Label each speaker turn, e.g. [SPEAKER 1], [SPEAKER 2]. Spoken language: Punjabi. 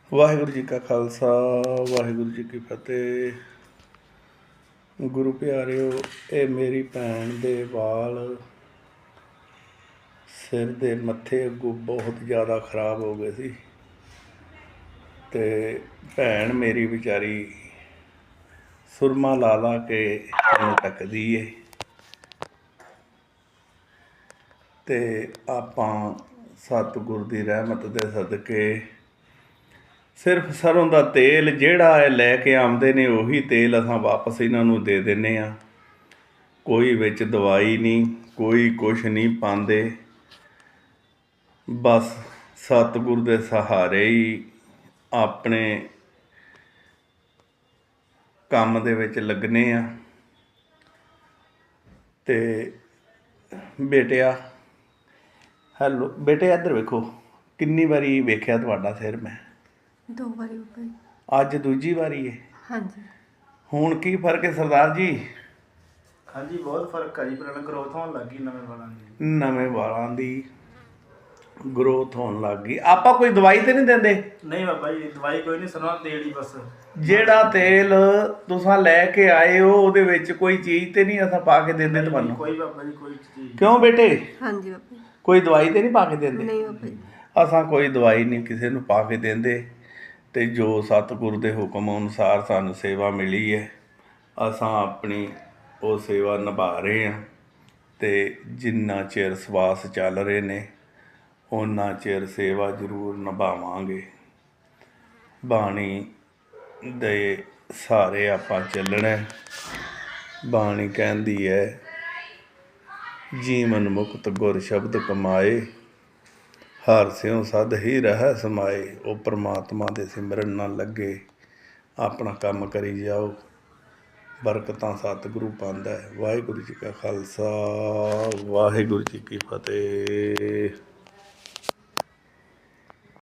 [SPEAKER 1] ਵਾਹਿਗੁਰੂ ਜੀ ਕਾ ਖਾਲਸਾ ਵਾਹਿਗੁਰੂ ਜੀ ਕੀ ਫਤਿਹ। ਗੁਰੂ ਪਿਆਰਿਓ, ਇਹ ਮੇਰੀ ਭੈਣ ਦੇ ਵਾਲ ਸਿਰ ਦੇ ਮੱਥੇ ਅੱਗੋਂ ਬਹੁਤ ਜ਼ਿਆਦਾ ਖਰਾਬ ਹੋ ਗਏ ਸੀ ਅਤੇ ਭੈਣ ਮੇਰੀ ਵਿਚਾਰੀ ਸੁਰਮਾ ਲਾ ਲਾ ਕੇ ਮੈਨੂੰ ਟੱਕਦੀ ਏ ਅਤੇ ਆਪਾਂ ਸਤਿਗੁਰ ਦੀ ਰਹਿਮਤ ਦੇ ਸਦਕੇ ਸਿਰਫ ਸਰੋਂ ਦਾ ਤੇਲ ਜਿਹੜਾ ਇਹ ਲੈ ਕੇ ਆਉਂਦੇ ਨੇ ਉਹੀ ਤੇਲ ਅਸਾਂ ਵਾਪਸ ਇਹਨਾਂ ਨੂੰ ਦੇ ਦਿੰਦੇ ਹਾਂ। ਕੋਈ ਵਿੱਚ ਦਵਾਈ ਨਹੀਂ, ਕੋਈ ਕੁਛ ਨਹੀਂ ਪਾਉਂਦੇ, ਬਸ ਸਤਿਗੁਰ ਦੇ ਸਹਾਰੇ ਹੀ ਆਪਣੇ ਕੰਮ ਦੇ ਵਿੱਚ ਲੱਗਣੇ ਆ। ਅਤੇ ਬੇਟਿਆ, ਹੈਲੋ ਬੇਟੇ, ਇੱਧਰ ਵੇਖੋ, ਕਿੰਨੀ ਵਾਰੀ ਵੇਖਿਆ ਤੁਹਾਡਾ ਸਿਰ ਮੈਂ?
[SPEAKER 2] 2 ਵਾਰੀ ਉੱਪਰ।
[SPEAKER 1] ਅੱਜ ਦੂਜੀ ਵਾਰੀ ਹੈ।
[SPEAKER 2] ਹਾਂਜੀ।
[SPEAKER 1] ਹੁਣ ਕੀ ਫਰਕ ਹੈ ਸਰਦਾਰ ਜੀ?
[SPEAKER 3] ਹਾਂਜੀ, ਬਹੁਤ ਫਰਕ ਆ ਜੀ। ਪੁਰਾਣਾ ਗਰੋਥ ਹੋਣ ਲੱਗ ਗਈ ਨਵੇਂ
[SPEAKER 1] ਵਾਲਾਂ ਦੀ ਗਰੋਥ ਹੋਣ ਲੱਗ ਗਈ। ਆਪਾਂ ਕੋਈ ਦਵਾਈ ਤੇ ਨਹੀਂ ਦਿੰਦੇ?
[SPEAKER 3] ਨਹੀਂ ਬਾਬਾ ਜੀ, ਦਵਾਈ ਕੋਈ ਨਹੀਂ, ਸਰੋਂ ਦਾ ਤੇਲ ਹੀ ਬਸ।
[SPEAKER 1] ਜਿਹੜਾ ਤੇਲ ਤੁਸੀਂ ਲੈ ਕੇ ਆਏ ਹੋ ਉਹਦੇ ਵਿੱਚ ਕੋਈ ਚੀਜ਼ ਤੇ ਨਹੀਂ ਅਸਾਂ ਪਾ ਕੇ ਦਿੰਦੇ ਤੁਹਾਨੂੰ?
[SPEAKER 3] ਕੋਈ ਬਾਬਾ ਜੀ, ਕੋਈ ਚੀਜ਼।
[SPEAKER 1] ਕਿਉਂ ਬੇਟੇ?
[SPEAKER 2] ਹਾਂਜੀ ਬਾਬਾ ਜੀ।
[SPEAKER 1] ਕੋਈ ਦਵਾਈ ਤੇ ਨਹੀਂ ਪਾ ਕੇ ਦਿੰਦੇ?
[SPEAKER 2] ਨਹੀਂ ਬਾਬਾ ਜੀ।
[SPEAKER 1] ਅਸਾਂ ਕੋਈ ਦਵਾਈ ਨਹੀਂ ਕਿਸੇ ਨੂੰ ਪਾ ਕੇ ਦਿੰਦੇ, ਅਤੇ ਜੋ ਸਤਿਗੁਰ ਦੇ ਹੁਕਮ ਅਨੁਸਾਰ ਸਾਨੂੰ ਸੇਵਾ ਮਿਲੀ ਹੈ ਅਸਾਂ ਆਪਣੀ ਉਹ ਸੇਵਾ ਨਿਭਾ ਰਹੇ ਹਾਂ। ਅਤੇ ਜਿੰਨਾ ਚਿਰ ਸਵਾਸ ਚੱਲ ਰਹੇ ਨੇ ਓਨਾ ਚਿਰ ਸੇਵਾ ਜ਼ਰੂਰ ਨਿਭਾਵਾਂਗੇ। ਬਾਣੀ ਦੇ ਸਹਾਰੇ ਆਪਾਂ ਚੱਲਣਾ। ਬਾਣੀ ਕਹਿੰਦੀ ਹੈ, ਜੀਵਨ ਮੁਕਤ ਗੁਰ ਸ਼ਬਦ ਕਮਾਏ, ਹਰ ਸਿਉ ਸਦ ਹੀ ਰਹਿ ਸਮਾਏ। ਉਹ ਪਰਮਾਤਮਾ ਦੇ ਸਿਮਰਨ ਨਾਲ ਲੱਗੇ, ਆਪਣਾ ਕੰਮ ਕਰੀ ਜਾਓ, ਬਰਕਤਾਂ ਸਤਿਗੁਰੂ ਪਾਉਂਦਾ ਹੈ। ਵਾਹਿਗੁਰੂ ਜੀ ਕਾ ਖਾਲਸਾ ਵਾਹਿਗੁਰੂ ਜੀ ਕੀ ਫਤਿਹ।